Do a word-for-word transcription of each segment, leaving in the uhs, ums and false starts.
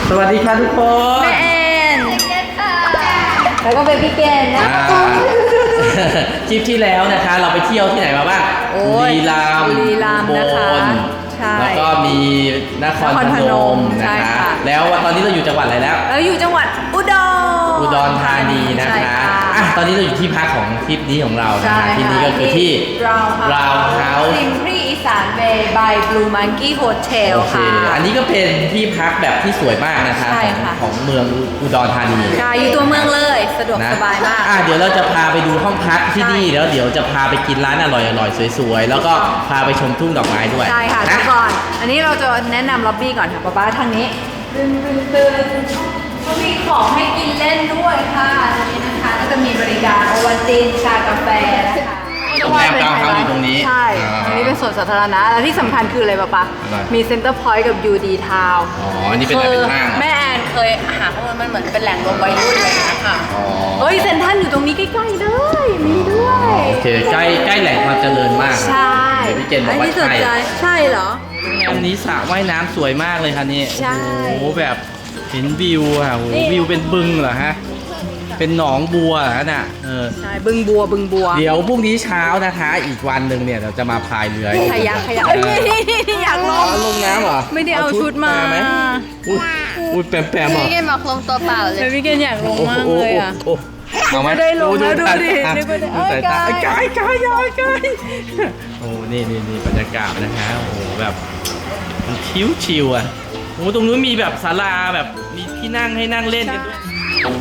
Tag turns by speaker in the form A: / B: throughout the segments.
A: สวัสดีค่ะทุกคน
B: แม่แอนแล้วก็เบบี้เกนนะ
A: คลิปที่แล้วนะคะเราไปเที่ยวที่ไหนมาบ้างบุรีรัมย์
B: บุรีรัมย์นะคะ
A: ใช่แล้วก็มีนครพนมนะคะแล้วตอนนี้เราอยู่จังหวัดอะไรแล้ว
B: เราอยู่จังหวัดอุดร
A: อุดรธานีนะคะอ่ะตอนนี้เราอยู่ที่พักของทริปนี้ของเรานะคะที่นี่ก็คือที่ราวเฮาส์
B: ซิมพรีอีสานเบย์บายบลูมังกี้โฮเทลค่ะ
A: อันนี้ก็เป็นที่พักแบบที่สวยมากนะคะของเมืองอุดรธานี
B: ใช่อยู่ตัวเมืองเลยสะดวกสบายมาก
A: อ่ะเดี๋ยวเราจะพาไปดูห้องพักที่นี่แล้วเดี๋ยวจะพาไปกินร้านอร่อยๆสวยๆแล้วก็พาไปชมทุ่งดอกไม้ด้วย
B: ใช่ค่ะแต่ก่อนอันนี้เราจะแนะนำล็อบบี้ก่อนค่ะป๊าป๊าทางนี้ตึนตึนตึนก็มีของให้กินเล่นด้วยค่ะตรงนี้นะคะก็จะมีบริการโอวัลตินชากาแฟนะคะ
A: โรงแรมกาวเฮาส์อยู่ตรงนี้
B: ใช่อันนี้เป็นสวนสาธารณะและที่สำคัญคืออะไรป๊าป๊ามีเซ็นเตอร์พอยต์กับยูดีทาวน์
A: อ๋ออันนี้เป็นอะไรเป็นห้าง
B: แม่แอนเคยหาข้อมูลมันเหมือนเป็นแหล่งรวมวัยรุ่นเลยนะคะเฮ้ยเซ็นทรัลอยู่ตรงนี้ใกล้ๆเลยมีด้วย
A: โอเคใกล้ใกล้แหล่งความเจริญมาก
B: ใช่
A: พี่เจนบอกว่าใช่
B: ใช่เหรอ
A: ตรงนี้สระว่ายน้ำสวยมากเลยค่ะนี่
B: ใช่
A: โอ้โหแบบเห็นวิวอ่ะโอ้วิวเป็นบึงเหรอฮะเป็นหนองบัวเหรอน่ะเออ
B: ใช่บึงบัวบึงบัว
A: เดี๋ยวพรุ่งนี้เช้านะคะอีกวันหนึ่งเนี่ยเราจะมาพายเรือ
B: ขยักขยักอยากลง
A: ลงน้ำเหรอ
B: ไม่ได้เอาชุดมาไหม
A: อุ้ยแปมแปมเหรอ
B: พี่เกณฑ์บอกลงตัวเปล่าเลยพี่เกณฑ์อยากลงมากเลยอ่ะ
A: เอาไหม
B: ได้ลงแล้วดูดิดูดิ
A: ดูสายตาไกลไกลไกลไกลโอ้นี่นี่นี่บรรยากาศนะฮะโอ้แบบมันชิวชิวอ่ะโอ้ตรงนู้นมีแบบศาลาแบบมีที่นั่งให้นั่งเล่นกันด้วย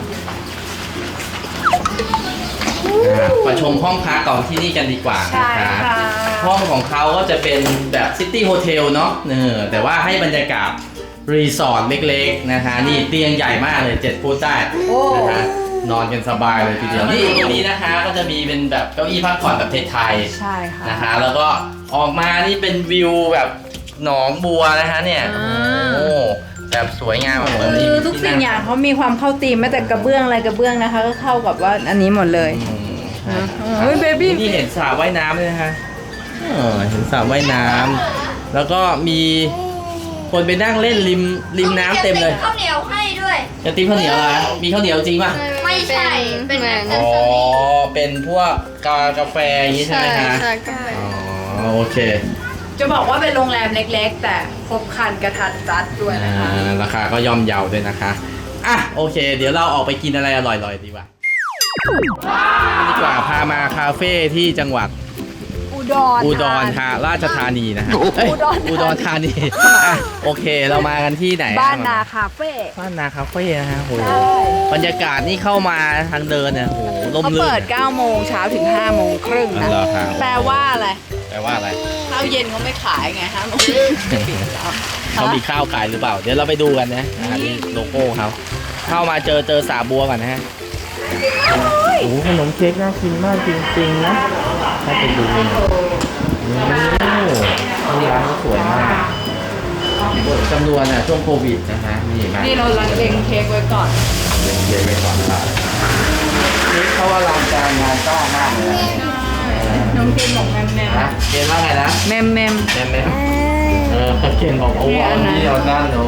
A: มาชมห้องพักก่อนที่นี่กันดีกว่านะคะห้องของเขาก็จะเป็นแบบซิตี้โฮเทลเนาะเออแต่ว่าให้บรรยากาศรีสอร์ทเล็กๆนะคะนี่เตียงใหญ่มากเลยเจ็ดฟุตได้นะคะนอนกันสบายเลยทีเดียวนี่ตรงนี้นะคะก็จะมีเป็นแบบเก้าอี้พักผ่อนแบบไทย
B: ๆใช่ค่ะ
A: นะคะแล้วก็ออกมานี่เป็นวิวแบบหนองบัวนะคะเนี่ยโอ้แบบสวยงามหมดเลย
B: ทุกสิ่งอย่างเขามีความเข้าธีมแม้แต่กระเบื้องอะไรกระเบื้องนะคะก็เข้ากับว่าอันนี้หมดเลยเฮ้ยเบบี้
A: นี่เห็นสระว่ายน้ำเลยนะคะเห็นสระว่ายน้ำแล้วก็มีคนไปนั่งเล่นริมริมน้ำเต็มเลย
C: ข้าวเหนียวให้ด้วย
A: จะตีข้าวเหนียวอะไรมีข้าวเหนียวจริงป่ะ
C: ไม่ใช่เป็นแบบ
A: อ๋อเป็นพวกกากาแฟอย่างนี้ใช่ไหมคะ
C: ใช่กาแฟ
A: อ๋อโอเค
B: จะบอกว่าเป็นโรงแรมเล็กๆแต่ครบครันกระทัดรัดด้วยนะคะ
A: ราคาก็ย่อมเยาด้วยนะคะอ่ะโอเคเดี๋ยวเราออกไปกินอะไรอร่อยๆดีกว่าดีกว่าพามาคาเฟ่ที่จังหวัด
B: อุดร
A: อุดรธาราชธานีนะฮะอุดรธานีอ่ะโอเคเรามากันที่ไหน
B: บ้านนาคาเฟ่
A: บ้านนาคาเฟ่นะฮะโหบรรยากาศนี่เข้ามาทางเดินเนี่ยโหลมลื่น
B: เขาเปิดเก้าโมงเช้าถึงห้าโมงครึ่งนะแปลว่าอะไร
A: แปลว่าอะไร
B: ข้าวเย็นเขาไม่ขายไงฮะ
A: เขามีข้าวขายหรือเปล่าเดี๋ยวเราไปดูกันนะนี่โลโก้เขาเข้ามาเจอเจอสาบัวก่อนนะฮะโอ้ขนมเค้กน่ากินมากจริงๆนะถ้าไปดูเนี่ยโอ้ร้านสวยมากจำนวนอ่ะช่วงโควิดนะฮะนี่มา
B: นี่เราลังเล็งเค้กไว้ก่อน
A: เล็งเค้กไว้ก่อนครับนี่เขาว่าร้านการงานต้องมากเลย
B: น้องเคนบอกแมมแมม
A: นะเคนว่าไงนะ
B: แมมแมม
A: แมมแมมเออเคนบอกโอ้อันนี้เอาด้านโน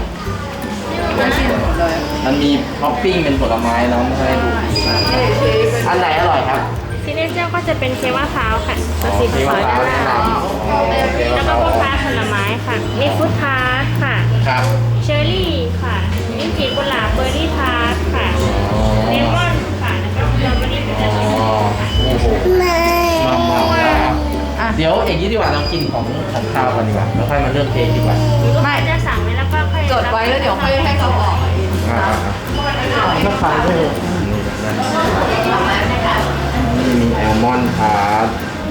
A: มันมีท็อปปิ้งเป็นผลไม้แล้วไม่ให้ดูอันไหนอร่อยครับ
C: ซิเนเจอร์ก็จะเป็นเค้กมะพร้าวค่ะตัวสีฟ้าด้านล่างแล้วก็พวกพาร์ทผลไม้ค่ะมีฟรุตทาร์ตค่ะ
A: ครับ
C: เชอร์รี่ค่ะมีกลีบกุหลาบเบอร์รี่ทาร์ตค่ะเลมอนค่ะแล้วก็สตรอเบอร์รี่เป็นอะไร
A: โอ้โหมามาเดี๋ยวอย่างนี้ดีกว่าเรากินของของข้าวกันดีกว่าแล้วค่อยมาเลือกเค้กดีกว่า
C: ไม่จะสั่งไว้แล้วก็ค่อย
B: จดไว้แล้วเดี๋ยวค่อยให้เขาออก
A: ก็ขายด้วยนี่มีแอลมอนด์พาร์ท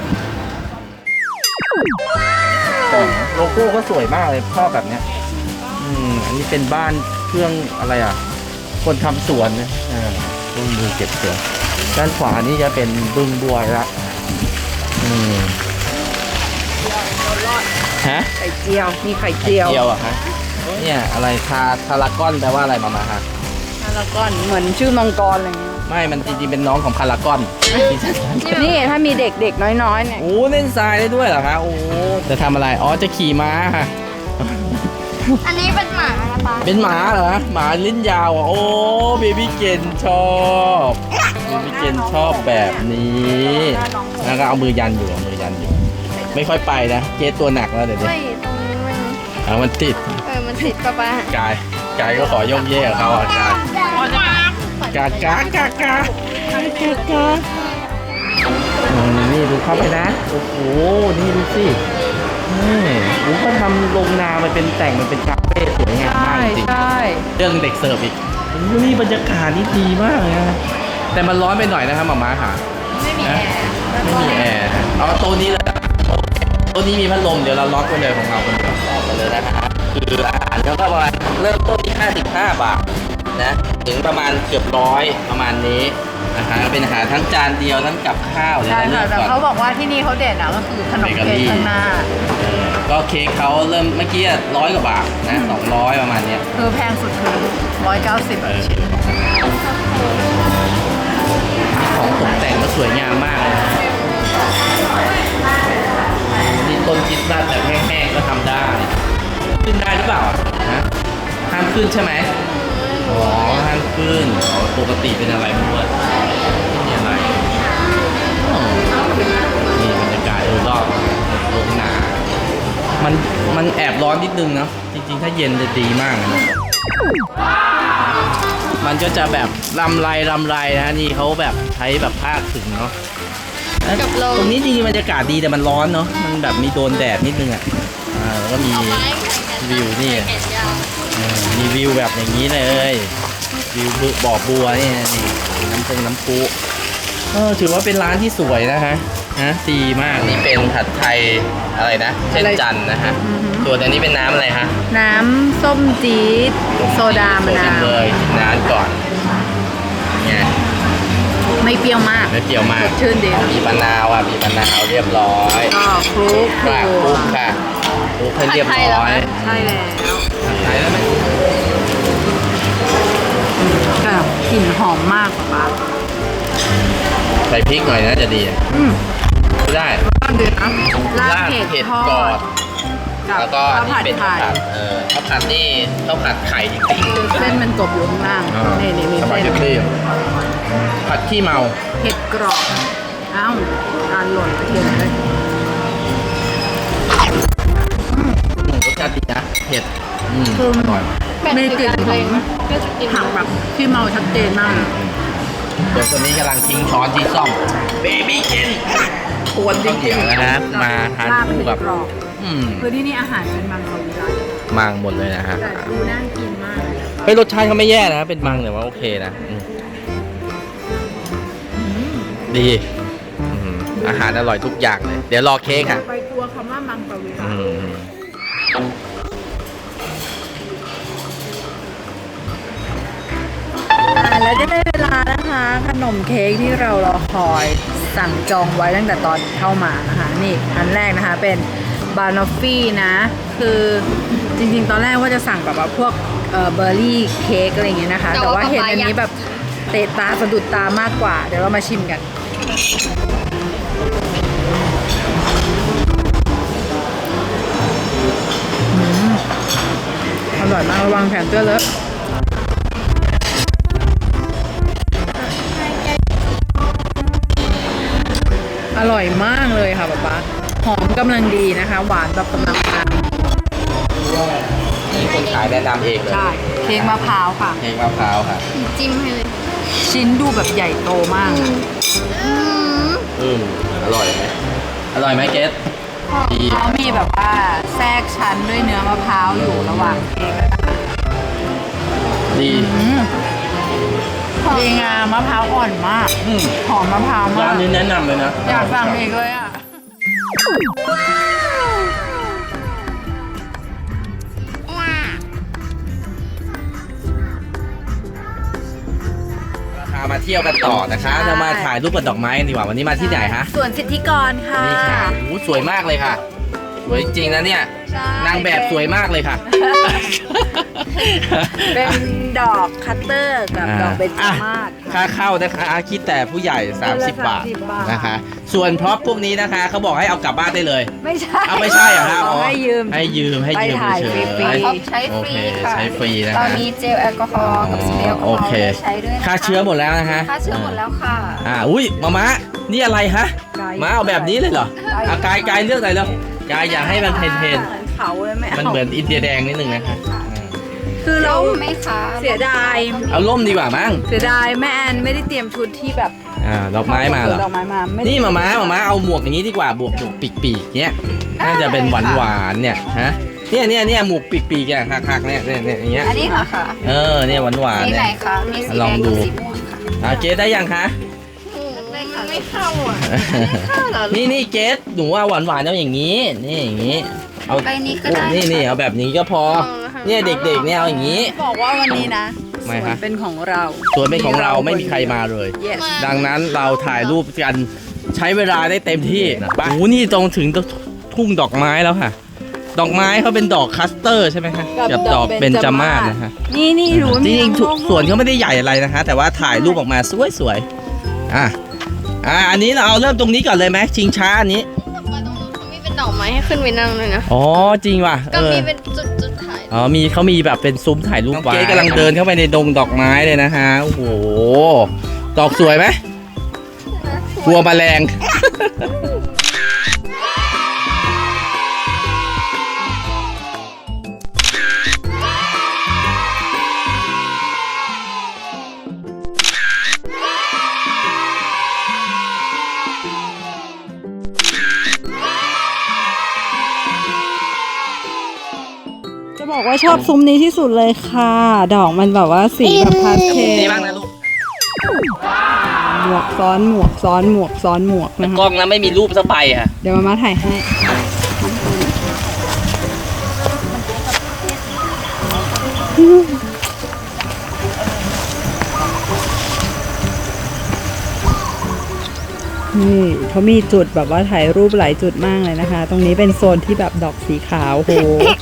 A: โลโก้ก็สวยมากเลยชอบแบบเนี้ยอืมอันนี้เป็นบ้านเครื่องอะไรอ่ะคนทำสวนนะอ่าบึงมือเก็บสวนด้านขวานี่จะเป็นบึงบัวละอืมฮะ
B: ไข่เจียวมีไข่เจียว
A: เจียวอ่ะฮะเนี่ยอะไรคาคาราก้อนแปลว่าอะไรมามาฮะ
B: คาราก้อนเหมือนชื่อมังกรอะไรเงี้ย
A: ไม่มันจริงๆเป็นน้องของคาราก้อน
B: นี่ถ้ามีเด็กๆน้อยๆเนี่ย
A: โอ้เล่นทรายได้ด้วยเหรอคะโอ้จะทำอะไรอ๋อจะขี่ม้าค่ะ
C: อันนี้เป็นหมาครับ
B: ป๊า
A: เป็นหมาเหรอหมาลิ้นยาวอ่ะโอ้เบบี้เกนชอบเบบี้เกนชอบแบบนี้แล้วก็เอามือยันอยู่เอามือยันอยู่ ไม่ค่อยไปนะเกสตัวหนักแล้วเดี๋ยวนี้
C: ไม่ตรงนี้มัน
A: เอามันติด
C: เออมันติดป๊าป๊าก
A: ายกายก็ขอยกเย่กับเขาอ่ะกายกากากากากากาอืมนี่ดูเข้าไปนะโอ้โหนี่ดูสินี่โอ้เขาทำโรงนามันเป็นแต่งมันเป็นคาเฟ่สวยงามมากจริง
B: ใช่
A: เรื่องเด็กเสิร์ฟอีกโอ้โหนี่บรรยากาศนี่ดีมากเลยนะแต่มันร้อนไปหน่อยนะครับหมาม้าค่ะ
B: ไม่มีแอร์
A: ไม่มีแอร์เอาตัวนี้เลยตัวนี้มีพัดลมเดี๋ยวเราล็อกไว้เลยของเราคนเดียวออกกันเลยนะครับคืออาหารก็ประมาณเริ่มต้นที่ห้าสิบห้าบาทนะถึงประมาณเกือบร้อยประมาณนี้นะฮะเป็นอาหารทั้งจานเดียวทั้งกับข้าวเลย
B: ใช่
A: นะ
B: ค่ะ
A: เลือก
B: แต่
A: ก่อน
B: เขาบอกว่าที่นี่เขาเด่นอ่ะก็คือขนมเค้กข้างหน้า
A: เออก็เค้กเขาเริ่มเมื่อกี้ร้อยกว่าบาทนะสองร้อยประมาณเนี้ย
B: คือแพงสุดคือร้อยเก้าสิบ
A: เออของตกแต่งก็สวยงามมากเลยนะนี่ต้นคริสต์มาสแบบแห้งๆก็ทำได้ ขึ้นได้หรือเปล่าฮะห้ามขึ้นใช่ไหมอ๋อห้ามขึ้นอ๋อปกติเป็นอะไรไม่รู้อะนี่อะไรอ๋อนี่บรรยากาศโดยรอบโรงนามันมันแอบร้อนนิดนึงเนาะจริงๆ ถ้าเย็นจะดีมากเลยนะมันก็จะแบบรำไรรำไรนะนี่เขาแบบใช้แบบภาคถึงเนาะตรงนี้จริงๆบรรยากาศดีแต่มันร้อนเนาะมันแบบมีโดนแดดนิดนึงอ่ะอ่าแล้วก็มีวิวนี่เออมีวิวแบบอย่างนี้เลยวิวบ่อบัวนี่นี่น้ำปงน้ำพุเออถือว่าเป็นร้านที่สวยนะฮะนะดีมากนี่เป็นผัดไทยอะไรนะเช่นจันนะฮะส่วนอันนี้เป็นน้ำอะไรฮะ
B: น้ำส้มจี๊ดโซดามะนาว
A: เลยกินน้ำก่อนไง
B: ไม่เปรี้ยวมาก
A: ไม่เปรี้ยวมาก
B: ชื่นดี
A: มีมะนาวอ่ะมีมะนาวเรียบร้อย
B: ก็คลุก
A: คลุกคลุกค่ะคลุกให้เรียบร้อย
B: ใช่แล้ว
A: ผัดไทยแล้วไหม
B: ก็กลิ่นหอมมากป๊า
A: ใส่พริกหน่อยนะจะดี
B: อืม
A: ไม่ได้
B: ก็ดีนะลาบเผ็ดทอ
A: ก่อน
B: ดกับ
A: แล้วก็
B: ข้าว
A: นี่
B: ผัด
A: เป็น
B: ไข่
A: ข้าวผัดเออข้าวผัดนี่ข้าวผัดไข่จริง
B: คือเส้นมันกบอยู่ข้างล่าง
A: ๆ
B: นี่นี่มี
A: สปา
B: เส้น
A: เกตตี้ผัดขี้เมา
B: เผ็ดกรอบอ้าวการหล่นกระเทียมเลย
A: อืมรสชาติดีนะเผ็ดอืมอร่อย
B: มีกลิ่นของผักแบบที่เมาชัดเจนมาก
A: เดี๋ยวคนนี้กำลังทิ้งช้อนที่ซ่อมเบบี้กินปวดจริงๆนะครับมาทานคู่กับ
B: ลาบเผ็ดกรอบ
A: อืม
B: คือที่นี่อาหารเป็นมังสวิรัติ
A: มังหมดเลยนะฮะ
B: แต่ดูน่ากินมากเลย
A: เฮ้ยรสชาติเขาไม่แย่นะเป็นมังแต่ว่าโอเคนะอืมดีอืมอาหารอร่อยทุกอย่างเลย เดี๋ยวรอเค้กค่ะ
B: ไปกลัวคำว่ามังสวิรั
A: อื
B: ติ
A: ม
B: อ่าแล้วจะได้เวลานะคะ ขนมเค้กที่เรารอคอยสั่งจองไว้ตั้งแต่ตอนเข้ามานะคะ นี่อันแรกนะคะเป็นบานอฟฟี่นะ คือจริงๆ ตอนแรกว่าจะสั่งแบบว่าพวกเอ่อเบอร์รี่เค้กอะไรอย่างเงี้ยนะคะ แต่ว่าเห็นอันนี้แบบเตะตาสะดุดตามากกว่า เดี๋ยวเรามาชิมกันอืมอร่อยมากระวังแขนเสื้อเลอะ อร่อยมากเลยค่ะป๊าป๊าหอมกำลังดีนะคะ หวานแบบกำลังมา
A: นี่คนขายแนะนำเองเลย
B: ใช่เค้กมะพร้าวค่ะ
A: เค้กมะพร้าวค่ะ
C: จิ้มให้เลย
B: ชิ้นดูแบบใหญ่โตมากอะ
C: อืม
A: อืมอร่อยไหมอร่อยไหมเกสดี
B: เขามีแบบว่าแทรกชั้นด้วยเนื้อมะพร้าวอยู่ระหว่างเค้กนะคะ
A: ดี
B: อืมดีงามมะพร้าวอ่อนมาก
A: อืม
B: หอมมะพร้าวมา
A: ร้าก นนี้แนะนำเลยนะ
B: อยากสั่งอีกเลยอ่ะ
A: พามาเที่ยวกันต่อนะคะเรามาถ่ายรูปกับดอกไม้กันดีกว่าวันนี้มาที่ไหนคะ
B: ส่วนสิทธิกรค่ะ
A: นี่ค่ะโอ้โหสวยมากเลยค่ะสวยจริงนะเนี่ย
B: ใช่
A: นางแบบสวยมากเลยค่ะ
B: เป็นดอกคัตเตอร์กับดอกเบญจมาศ
A: ค่าเข้านะคะคิดแต่ผู้ใหญ่ สามสิบ บาท
B: สามสิบบาท
A: นะคะ ส่วนพร็อพพวกนี้นะคะเขาบอกให้เอากลับบ้านได้เลย
B: ไม่ใช่
A: เอาไม่ใช่เหรอครับ
B: เขาให้ยืม
A: ให้ยืมให้ยืม
B: ไปถ่าย
A: เฉย
B: ฟรี
A: ๆ
B: ๆ
D: ท็อปใช้
A: โอ
D: ฟ
A: เค
D: รีค่ะ
A: ใช้ฟรีนะ
D: เรา
A: คะ
D: มีเจลแอลกอฮอล์กับสเปรย์แอลกอฮอ
A: โอ
D: ล์
A: เค
D: ใช้ด้วยนะคะ
A: ค่าเชื้อหมดแล้วนะฮะ
D: ค่าเชื้อหมดแล้วค่ะ
A: อ่าอุ้ยมามะนี่อะไรฮะ
B: ไกด์
A: มาเอาแบบนี้เลยเหรออ่ะกายกายเลือกหน่อยแล้วกายอยากให้มันเพนเพน
B: เขาเลยไม่เอา
A: มันเหมือนอินเดียแดงนิดนึงนะคะอ่า
B: คือเรา
D: ร่มไหมคะ
B: เสียดาย
A: เอาร่มดีกว่ามั้ง
B: เสียดายแม่แอนไม่ได้เตรียมชุดที่แบบ
A: อ่าดอกไม้มาเหรอ
B: ดอกไม้มาไม่ได้
A: นี่มาม้ามาม้าเอาหมวกอย่างนี้ดีกว่าบวกหมวกปีกๆเนี้ยน่าจะเป็นหวานหวานๆเนี่ยฮะเนี่ยเนี่ยเนี่ยหมวกปีกๆอย่างหักๆเนี่ยเนี่ยเนี่ยอย่างเงี้ย
D: อันนี้เหรอคะ
A: เออเนี่ยหวานหวาน
D: สี
A: ๆ
D: ไหน
A: เนี่ย
D: คะมีสี
A: ลอง
D: แดง
A: ดู
D: กับสีม่วงค่ะ
A: อ่าเกสได้ยังคะ
D: ไม่เข้าอ่ะ
A: นี่นี่เกสหนูว่าหวานหวานๆเอาอย่างนี้ นี่อย่างนี้เอา
D: ใบนี้ก็ได้
A: นี่นี่เอาแบบนี้ก็พอเนี่ยเด็กๆเนี่ยเอาอย่างนี้
B: บอกว่าวันนี้นะ
A: ไม่
B: สว
A: ฮะ
B: นเป็นของเรา
A: ส่วนเป็นของเราไม่มีใครมาเลย
B: yes
A: ดังนั้นเราถ่ายรูปกันใช้เวลาได้เต็มที่โอ้โหนี่ตรงถึงทุ่งดอกไม้แล้วค่ะ ดอกไม้เขาเป็นดอกคัสเตอร์ใช่ไหมคะกับดอกเบญจมาศนะฮะ
B: นี่นี่ดู
A: จ
B: มี
A: ริงๆทุก
B: น้องๆ
A: สวนเขาไม่ได้ใหญ่อะไรนะคะ แต่ว่าถ่ายรูปออกมาสวยๆอ่ะอ่ะอันนี้เราเอาเริ่มตรงนี้ก่อนเลยไหมชิงช้าอันนี้
C: มาตรงนู้นเขามีเป็นดอกไม้ให้ขึ้นไปนั่งเลยนะ
A: อ๋อจริงว่ะ
C: ก็
A: เออ
C: มีเป็นจุดจุดๆถ่าย
A: อ๋อมีเขามีแบบเป็นซุ้มถ่ายรูปไว้เจ๊กำลังเดินเข้าไปในดงดอกไม้เลยนะฮะโอ้โหดอกสวยไหมกลัวแมลง
B: จะบอกว่าชอบซุ้มนี้ที่สุดเลยค่ะ ดอกมันแบบว่าสีแบบพาสเทล
A: นี่บ้างนะลูก
B: หมวกซ้อนหมวกซ้อนหมวกซ้อนหมวกนะ
A: กล้
B: คะ
A: องนะไม่มีรูปสักใบค่ะ
B: เดี๋ยวมามาถ่ายให้นี่เขามีจุดแบบว่าถ่ายรูปหลายจุดมากเลยนะคะ ตรงนี้เป็นโซนที่แบบดอกสีขาวโห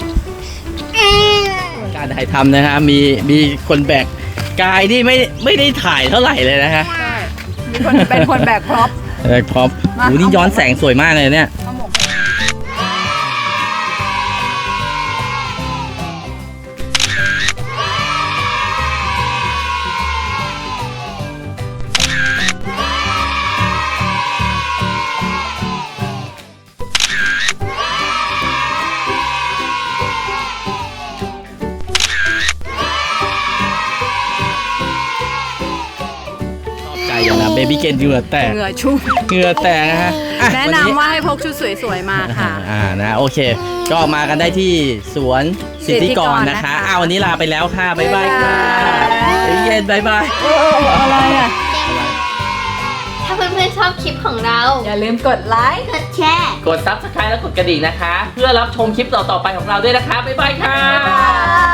A: การถ่ายทำนะฮะมีมีคนแบกกายนี่ไม่ไม่ได้ถ่ายเท่าไหร่เลยนะฮะ
B: มีคนเป็นคนแบกพร็อพ
A: แบกพร็อพ
B: มา
A: โอ้นี่ย้อนแสงสวยมากเลยเนี่ย
B: เอาหมวก
A: ใจอย่างนะเบบี้เกนเหงื่อแตก
B: เหงื่อชุ่ม
A: เหงื่อแตกนะฮะอ่
B: แนะ
A: วันนี้
B: นำว่าให้พกชุดสวยๆมาค่ะ
A: อ่านะโอเค ก็มากันได้ที่สวนสิทธิกรนะคะ
B: สิทธิกรนะคะ
A: อ้าววันนี้ลาไปแล้วค่ะ บ๊ายบายค่ะ
B: บ๊ายบาย
A: เฮ้ยเย็นบ๊ายบาย
B: เอออะไรอ่ะ
C: ถ้าเพื่อนๆชอบคลิปของเรา
B: อย่าลืมกดไลค์
C: กดแชร์
A: กดซับสไครต์และกดกระดิ่งนะคะ เพื่อรับชมคลิปต่อๆไปของเราด้วยนะคะ บ๊ายบายค่ะ
B: บ๊ายบาย